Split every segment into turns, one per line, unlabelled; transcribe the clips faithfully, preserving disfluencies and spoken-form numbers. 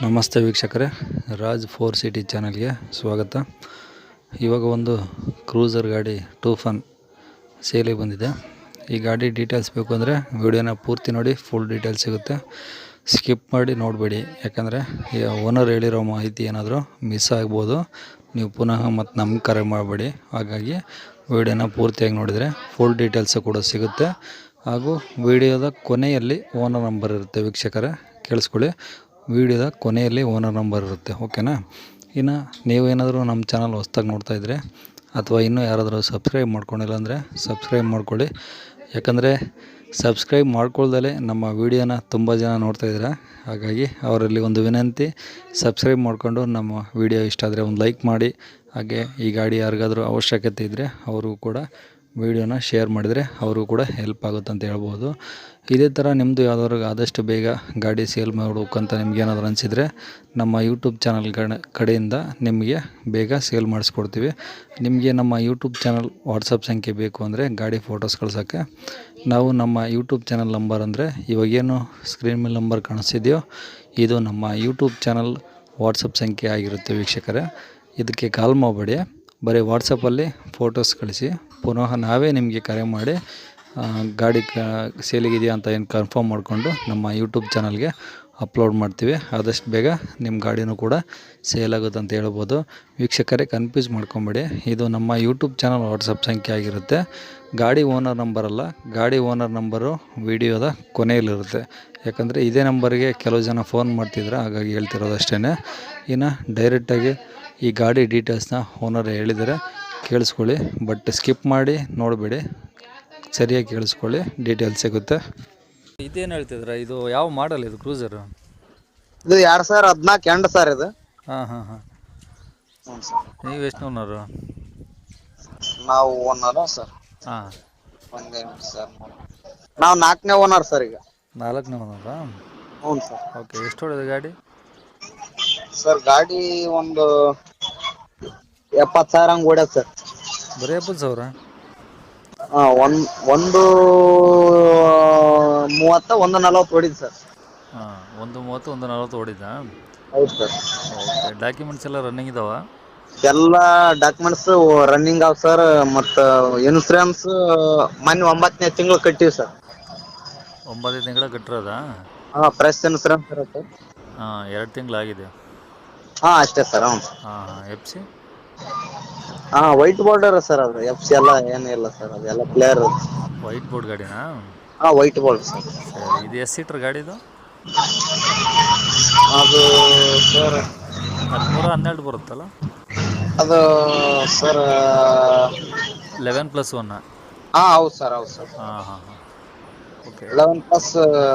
ನಮಸ್ತೆ ವೀಕ್ಷಕರೇ, Raj four city ಚಾನಲ್ಗೆ ಸ್ವಾಗತ. ಇವಾಗ ಒಂದು ಕ್ರೂಸರ್ ಗಾಡಿ ಟೂಫನ್ ಸೇಲಿಗೆ ಬಂದಿದೆ. ಈ ಗಾಡಿ ಡೀಟೇಲ್ಸ್ ಬೇಕು ಅಂದರೆ ವಿಡಿಯೋನ ಪೂರ್ತಿ ನೋಡಿ, ಫುಲ್ ಡೀಟೇಲ್ಸ್ ಸಿಗುತ್ತೆ. ಸ್ಕಿಪ್ ಮಾಡಿ ನೋಡಬೇಡಿ, ಯಾಕಂದರೆ ಓನರ್ ಹೇಳಿರೋ ಮಾಹಿತಿ ಏನಾದರೂ ಮಿಸ್ ಆಗ್ಬೋದು. ನೀವು ಪುನಃ ಮತ್ತು ನಮ್ಗೆ ಕರೆ ಮಾಡಬೇಡಿ. ಹಾಗಾಗಿ ವಿಡಿಯೋನ ಪೂರ್ತಿಯಾಗಿ ನೋಡಿದರೆ ಫುಲ್ ಡೀಟೇಲ್ಸು ಕೂಡ ಸಿಗುತ್ತೆ. ಹಾಗೂ ವಿಡಿಯೋದ ಕೊನೆಯಲ್ಲಿ ಓನರ್ ನಂಬರ್ ಇರುತ್ತೆ. ವೀಕ್ಷಕರೇ ಕೇಳಿಸ್ಕೊಳ್ಳಿ, ವಿಡಿಯೋದ ಕೊನೆಯಲ್ಲಿ ಓನರ್ ನಂಬರ್ ಇರುತ್ತೆ, ಓಕೆನಾ. ಇನ್ನು ನೀವೇನಾದರೂ ನಮ್ಮ ಚಾನಲ್ ಹೊಸ್ದಾಗಿ ನೋಡ್ತಾಯಿದ್ರೆ ಅಥವಾ ಇನ್ನೂ ಯಾರಾದರೂ ಸಬ್ಸ್ಕ್ರೈಬ್ ಮಾಡ್ಕೊಂಡಿಲ್ಲ ಅಂದರೆ ಸಬ್ಸ್ಕ್ರೈಬ್ ಮಾಡ್ಕೊಳ್ಳಿ. ಯಾಕಂದರೆ ಸಬ್ಸ್ಕ್ರೈಬ್ ಮಾಡ್ಕೊಳ್ದಲೇ ನಮ್ಮ ವೀಡಿಯೋನ ತುಂಬ ಜನ ನೋಡ್ತಾಯಿದ್ದೀರಾ. ಹಾಗಾಗಿ ಅವರಲ್ಲಿ ಒಂದು ವಿನಂತಿ, ಸಬ್ಸ್ಕ್ರೈಬ್ ಮಾಡಿಕೊಂಡು ನಮ್ಮ ವಿಡಿಯೋ ಇಷ್ಟ ಆದರೆ ಒಂದು ಲೈಕ್ ಮಾಡಿ. ಹಾಗೆ ಈ ಗಾಡಿ ಯಾರಿಗಾದರೂ ಅವಶ್ಯಕತೆ ಇದ್ದರೆ ಅವರು ಕೂಡ ವಿಡಿಯೋನ ಶೇರ್ ಮಾಡಿದರೆ ಅವರು ಕೂಡ ಹೆಲ್ಪ್ ಆಗುತ್ತೆ ಅಂತ ಹೇಳ್ಬೋದು. ಇದೇ ಥರ ನಿಮ್ಮದು ಯಾವ್ದಾದ್ರು ಆದಷ್ಟು ಬೇಗ ಗಾಡಿ ಸೇಲ್ ಮಾಡಬೇಕಂತ ನಿಮ್ಗೆ ಏನಾದರೂ ಅನಿಸಿದರೆ ನಮ್ಮ ಯೂಟ್ಯೂಬ್ ಚಾನಲ್ ಕಡೆಯಿಂದ ನಿಮಗೆ ಬೇಗ ಸೇಲ್ ಮಾಡಿಸ್ಕೊಡ್ತೀವಿ. ನಿಮಗೆ ನಮ್ಮ ಯೂಟ್ಯೂಬ್ ಚಾನಲ್ ವಾಟ್ಸಪ್ ಸಂಖ್ಯೆ ಬೇಕು ಅಂದರೆ ಗಾಡಿ ಫೋಟೋಸ್ ಕಳ್ಸೋಕ್ಕೆ ನಾವು ನಮ್ಮ ಯೂಟ್ಯೂಬ್ ಚಾನಲ್ ನಂಬರ್ ಅಂದರೆ ಇವಾಗೇನು ಸ್ಕ್ರೀನ್ ಮೇಲೆ ನಂಬರ್ ಕಾಣಿಸ್ತಿದೆಯೋ ಇದು ನಮ್ಮ ಯೂಟ್ಯೂಬ್ ಚಾನಲ್ ವಾಟ್ಸಪ್ ಸಂಖ್ಯೆ ಆಗಿರುತ್ತೆ. ವೀಕ್ಷಕರೇ ಇದಕ್ಕೆ ಕಾಲ್ ಮಾಡಬೇಡಿ, ಬರೀ ವಾಟ್ಸಪ್ಪಲ್ಲಿ ಫೋಟೋಸ್ ಕಳಿಸಿ. ಪುನಃ ನಾವೇ ನಿಮಗೆ ಕರೆ ಮಾಡಿ ಗಾಡಿ ಕ ಸೇಲಿಗಿದೆಯಾ ಅಂತ ಏನು ಕನ್ಫರ್ಮ್ ಮಾಡಿಕೊಂಡು ನಮ್ಮ ಯೂಟ್ಯೂಬ್ ಚಾನಲ್ಗೆ ಅಪ್ಲೋಡ್ ಮಾಡ್ತೀವಿ. ಆದಷ್ಟು ಬೇಗ ನಿಮ್ಮ ಗಾಡಿನೂ ಕೂಡ ಸೇಲ್ ಆಗುತ್ತೆ ಅಂತ ಹೇಳ್ಬೋದು. ವೀಕ್ಷಕರೇ ಕನ್ಫ್ಯೂಸ್ ಮಾಡ್ಕೊಬೇಡಿ, ಇದು ನಮ್ಮ ಯೂಟ್ಯೂಬ್ ಚಾನಲ್ ವಾಟ್ಸಪ್ ಸಂಖ್ಯೆ ಆಗಿರುತ್ತೆ. ಗಾಡಿ ಓನರ್ ನಂಬರಲ್ಲ, ಗಾಡಿ ಓನರ್ ನಂಬರು ವಿಡಿಯೋದ ಕೊನೆಯಲ್ಲಿರುತ್ತೆ. ಯಾಕಂದರೆ ಇದೇ ನಂಬರ್ಗೆ ಕೆಲವು ಜನ ಫೋನ್ ಮಾಡ್ತಿದ್ರು, ಹಾಗಾಗಿ ಹೇಳ್ತಿರೋದು ಅಷ್ಟೇ. ಇನ್ನು ಡೈರೆಕ್ಟಾಗಿ ಈ ಗಾಡಿ ಡೀಟೇಲ್ಸ್ನ ಓನರ್ ಹೇಳಿದರೆ ಕೇಳಿಸ್ಕೊಳ್ಳಿ, ಬಟ್ ಸ್ಕಿಪ್ ಮಾಡಿ ನೋಡಬೇಡಿ, ಸರಿಯಾಗಿ ಕೇಳಿಸ್ಕೊಳ್ಳಿ, ಡೀಟೇಲ್ಸ್ ಸಿಗುತ್ತೆ. ಇದೇನು ಹೇಳ್ತಿದ್ರ, ಇದು ಯಾವ ಮಾಡಲ್ ಇದು ಕ್ರೂಸರು?
ಇದು ಎರಡು ಸಾವಿರ ಹದಿನಾಲ್ಕು ಎಂಟು ಸರ್ ಇದು.
ಹಾಂ ಹಾಂ ಹಾಂ
ಹ್ಞೂ ಸರ್.
ನೀವು ಎಷ್ಟು ಓನರು?
ನಾವು ಓನರ್ ಸರ್.
ಹಾಂ,
ಒಂದೇ ಸರ್, ನಾವು ನಾಲ್ಕನೇ ಓನರ್ ಸರ್ ಈಗ.
ನಾಲ್ಕನೇ ಓನರಾ?
ಹ್ಞೂ ಸರ್.
ಓಕೆ, ಎಷ್ಟು ಹೊಡೆದ ಗಾಡಿ?
ಸರ್ ಗಾಡಿ ಒಂದು ಎಪ್ಪತ್ತು ಸಾವಿರ ಹಂಗೆ ಓಡ್ಯದ ಸರ್.
ಬರೀ ಎಪ್ಪತ್ತು ಸಾವಿರ?
ಹಾಂ, ಒಂದು ಒಂದು ಮೂವತ್ತ ಒಂದು ನಲ್ವತ್ತು ಹೊಡಿದ್ ಸರ್.
ಹಾಂ, ಒಂದು ಮೂವತ್ತು ಒಂದು ನಲ್ವತ್ತು ಹೊಡಿದಾ?
ಹೌದು ಸರ್.
ಓಕೆ, ಡಾಕ್ಯುಮೆಂಟ್ಸ್ ಎಲ್ಲ ರನ್ನಿಂಗ್ ಇದಾವ?
ಎಲ್ಲ ಡಾಕ್ಯುಮೆಂಟ್ಸ್ ರನ್ನಿಂಗ್ ಆವ್ ಸರ್. ಮತ್ತು ಇನ್ಸೂರೆನ್ಸ್ ಮೊನ್ನೆ ಒಂಬತ್ತನೇ ತಿಂಗಳು ಕಟ್ಟಿವಿ ಸರ್.
ಒಂಬತ್ತು ತಿಂಗಳ ಕಟ್ಟಿರೋದಾ?
ಹಾಂ, ಫ್ರೆಶ್ ಇನ್ಸೂರೆನ್ಸ್ ಇರುತ್ತೆ.
ಹಾಂ, ಎರಡು ತಿಂಗಳಾಗಿದೆ.
ಹಾಂ ಅಷ್ಟೇ ಸರ್. ಹ್ಞೂ ಸರ್.
ಹಾಂ ಹಾಂ, ಎಫ್ ಸಿ?
ಹಾಂ, ವೈಟ್ ಬೋರ್ಡರ್ ಸರ್. ಅದು ಎಫ್ ಸಿ ಎಲ್ಲ ಏನಿಲ್ಲ ಸರ್, ಅದೆಲ್ಲ ಕ್ಲಿಯರ್.
White board ಗಾಡಿನಾ?
ಹಾಂ, ವೈಟ್ ಬೋರ್ಡ್ ಸರ್.
ಸರಿ, ಇದು ಎಷ್ಟು ಸೀಟ್ರ್ ಗಾಡಿದು?
ಅದು ಸರ್
ಹದಿಮೂರು ಹನ್ನೆರಡು ಬರುತ್ತಲ್ಲ?
ಅದು ಸರ್
ಲೆವೆನ್ ಪ್ಲಸ್ ಒನ್?
ಹಾಂ ಹೌದು ಸರ್, ಹೌದು ಸರ್.
ಹಾಂ ಹಾಂ ಹಾಂ, ಓಕೆ.
ಲೆವೆನ್ ಪ್ಲಸ್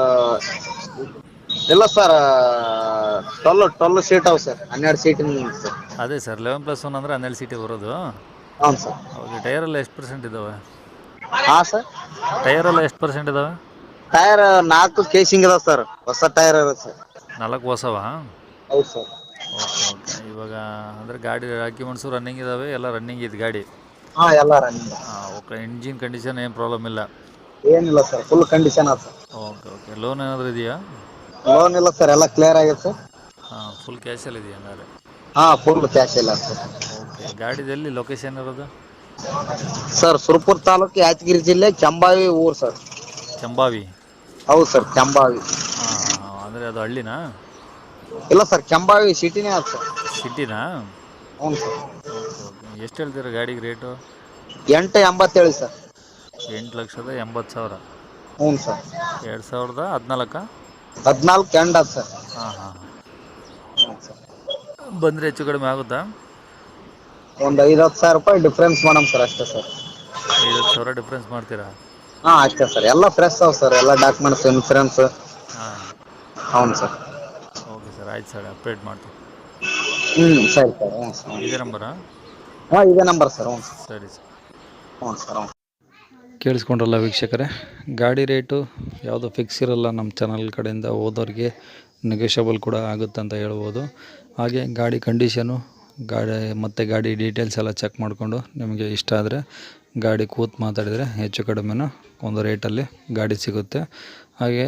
ಇಲ್ಲ ಸರ್, ಟ್ವೆಲ್ ಟ್ವೆಲ್ ಸೀಟ್ ಅವು ಸರ್, ಹನ್ನೆರಡು ಸೀಟಿನ ಸರ್.
ಅದೇ ಸರ್, ಲೆವೆನ್ ಪ್ಲಸ್ ಒನ್ ಅಂದರೆ ಹನ್ನೆರಡು ಸೀಟಿಗೆ ಬರೋದು.
ಹ್ಞೂ ಸರ್.
ಓಕೆ, ಟೈರೆಲ್ಲ ಎಷ್ಟು ಪರ್ಸೆಂಟ್ ಇದ್ದಾವೆ?
ಹಾಂ ಸರ್.
ಟೈರೆಲ್ಲ ಎಷ್ಟು ಪರ್ಸೆಂಟ್ ಇದ್ದಾವೆ?
ಟೈರ್ ನಾಲ್ಕು ಕೇಸಿಂಗ್ ಇದಾವೆ ಸರ್, ಹೊಸ ಟೈರ್ ಇರುತ್ತೆ ಸರ್.
ನಾಲ್ಕು ಹೊಸವಾ?
ಹೌದು ಸರ್.
ಓಕೆ ಓಕೆ, ಇವಾಗ ಅಂದರೆ ಗಾಡಿ ಡಾಕ್ಯುಮೆಂಟ್ಸು ರನ್ನಿಂಗ್ ಇದ್ದಾವೆ, ಎಲ್ಲ ರನ್ನಿಂಗ್ ಇದೆ ಗಾಡಿ?
ಹಾಂ, ಎಲ್ಲ ರನ್ನಿಂಗ್.
ಹಾಂ, ಓಕೆ. ಇಂಜಿನ್ ಕಂಡೀಷನ್ ಏನು ಪ್ರಾಬ್ಲಮ್ ಇಲ್ಲ?
ಏನಿಲ್ಲ ಸರ್, ಫುಲ್ ಕಂಡೀಷನ್ ಅದ ಸರ್.
ಓಕೆ ಓಕೆ, ಲೋನ್ ಏನಾದರೂ ಇದೆಯಾ?
ಲೋನ್ ಇಲ್ಲ ಸರ್, ಎಲ್ಲ ಕ್ಲಿಯರ್ ಆಗಿದೆ ಸರ್.
ಹಾಂ, ಫುಲ್ ಕ್ಯಾಶಲ್ಲಿ ಇದೆಯಾ ಹಂಗಾದ್ರೆ?
ಹಾಂ, ಫುಲ್ ಕ್ಯಾಶ್ ಇಲ್ಲ ಸರ್.
ಓಕೆ, ಗಾಡಿದಲ್ಲಿ ಲೊಕೇಶನ್ ಇರೋದು?
ಸರ್ ಸುರಪುರ ತಾಲೂಕು, ಯಾದಗಿರಿ ಜಿಲ್ಲೆ, ಕೆಂಬಾವಿ ಊರು ಸರ್.
ಕೆಂಬಾವಿ?
ಹೌದು ಸರ್, ಕೆಂಬಾವಿ.
ಹಾಂ ಹಾಂ ಹಾಂ, ಅಂದರೆ ಅದು ಹಳ್ಳಿನಾ?
ಇಲ್ಲ ಸರ್, ಕೆಂಬಾವಿ ಸಿಟಿನೇ ಅದ ಸರ್.
ಸಿಟಿನಾ?
ಹ್ಞೂ ಸರ್.
ಓಕೆ ಓಕೆ, ಎಷ್ಟು ಹೇಳ್ತೀರಾ ಗಾಡಿಗೆ ರೇಟು?
ಎಂಟು ಎಂಬತ್ತೇಳು ಸರ್.
ಎಂಟು ಲಕ್ಷದ ಎಂಬತ್ತು ಸಾವಿರ?
ಹ್ಞೂ ಸರ್.
ಎರಡು ಸಾವಿರದ ಹದಿನಾಲ್ಕ?
ಹದಿನಾಲ್ಕು ಎಂಡ್ ಅದ ಸರ್.
ಹಾಂ ಹಾಂ ಹಾಂ,
ಹ್ಞೂ ಸರ್.
ಬಂದರೆ ಹೆಚ್ಚು ಕಡಿಮೆ ಆಗುತ್ತಾ?
ಒಂದು ಐದು ಹತ್ತು ಸಾವಿರ ರೂಪಾಯಿ ಡಿಫ್ರೆನ್ಸ್ ಮಾಡಮ್ ಸರ್, ಅಷ್ಟೇ ಸರ್.
ಐದು ಹತ್ತು ಸಾವಿರ ಡಿಫ್ರೆನ್ಸ್ ಮಾಡ್ತೀರಾ?
ಹಾಂ ಅಷ್ಟೇ ಸರ್, ಎಲ್ಲ ಫ್ರೆಶ್ ಅವ ಸರ್, ಎಲ್ಲ ಡಾಕ್ಯುಮೆಂಟ್ಸ್, ಇನ್ಸೂರೆನ್ಸ್.
ಹಾಂ,
ಹೌನು ಸರ್.
ಓಕೆ ಸರ್, ಆಯ್ತು ಸರ್, ಅಪ್ಡೇಟ್ ಮಾಡ್ತೀವಿ.
ಹ್ಞೂ ಸರಿ ಸರ್. ಹ್ಞೂ ಸರ್.
ಇದೇ ನಂಬರಾ?
ಹಾಂ, ಇದೇ ನಂಬರ್ ಸರ್. ಹ್ಞೂ ಸರ್.
ಸರಿ ಸರ್.
ಹ್ಞೂ ಸರ್. ಹ್ಞೂ.
ಕೇಳಿಸ್ಕೊಂಡ್ರಲ್ಲ ವೀಕ್ಷಕರೇ, ಗಾಡಿ ರೇಟು ಯಾವುದೋ ಫಿಕ್ಸ್ ಇರಲ್ಲ. ನಮ್ಮ ಚಾನಲ್ ಕಡೆಯಿಂದ ಹೋದವ್ರಿಗೆ ನೆಗೋಷಿಯಬಲ್ ಕೂಡ ಆಗುತ್ತೆ ಅಂತ ಹೇಳ್ಬೋದು. ಹಾಗೆ ಗಾಡಿ ಕಂಡೀಷನು, ಗಾಡಿ ಮತ್ತು ಗಾಡಿ ಡೀಟೇಲ್ಸ್ ಎಲ್ಲ ಚೆಕ್ ಮಾಡಿಕೊಂಡು ನಿಮಗೆ ಇಷ್ಟ ಆದರೆ ಗಾಡಿ ಕೂತು ಮಾತಾಡಿದರೆ ಹೆಚ್ಚು ಕಡಿಮೆನೂ ಒಂದು ರೇಟಲ್ಲಿ ಗಾಡಿ ಸಿಗುತ್ತೆ. ಹಾಗೆ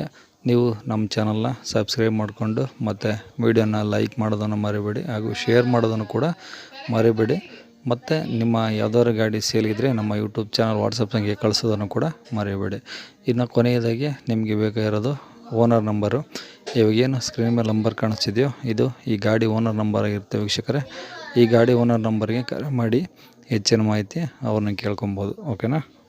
ನೀವು ನಮ್ಮ ಚಾನಲ್ನ ಸಬ್ಸ್ಕ್ರೈಬ್ ಮಾಡಿಕೊಂಡು ಮತ್ತು ವಿಡಿಯೋನ ಲೈಕ್ ಮಾಡೋದನ್ನು ಮರಿಬೇಡಿ ಹಾಗೂ ಶೇರ್ ಮಾಡೋದನ್ನು ಕೂಡ ಮರಿಬೇಡಿ. ಮತ್ತು ನಿಮ್ಮ ಯಾವ್ದಾದ್ರು ಗಾಡಿ ಸೇಲಿದ್ರೆ ನಮ್ಮ ಯೂಟ್ಯೂಬ್ ಚಾನಲ್ ವಾಟ್ಸಪ್ ಸಂಖ್ಯೆ ಕಳಿಸೋದನ್ನು ಕೂಡ ಮರಿಬೇಡಿ. ಇನ್ನು ಕೊನೆಯದಾಗಿ ನಿಮಗೆ ಬೇಕಾಗಿರೋದು ಓನರ್ ನಂಬರು. ಇವಾಗೇನು ಸ್ಕ್ರೀನ್ ಮೇಲೆ ನಂಬರ್ ಕಾಣಿಸ್ತಿದೆಯೋ ಇದು ಈ ಗಾಡಿ ಓನರ್ ನಂಬರ್ ಆಗಿರುತ್ತೆ ವೀಕ್ಷಕರೇ. ಈ ಗಾಡಿ ಓನರ್ ನಂಬರ್ಗೆ ಕರೆ ಮಾಡಿ ಹೆಚ್ಚಿನ ಮಾಹಿತಿ ಅವ್ರನ್ನ ಕೇಳ್ಕೊಬೋದು. ಓಕೆನಾ.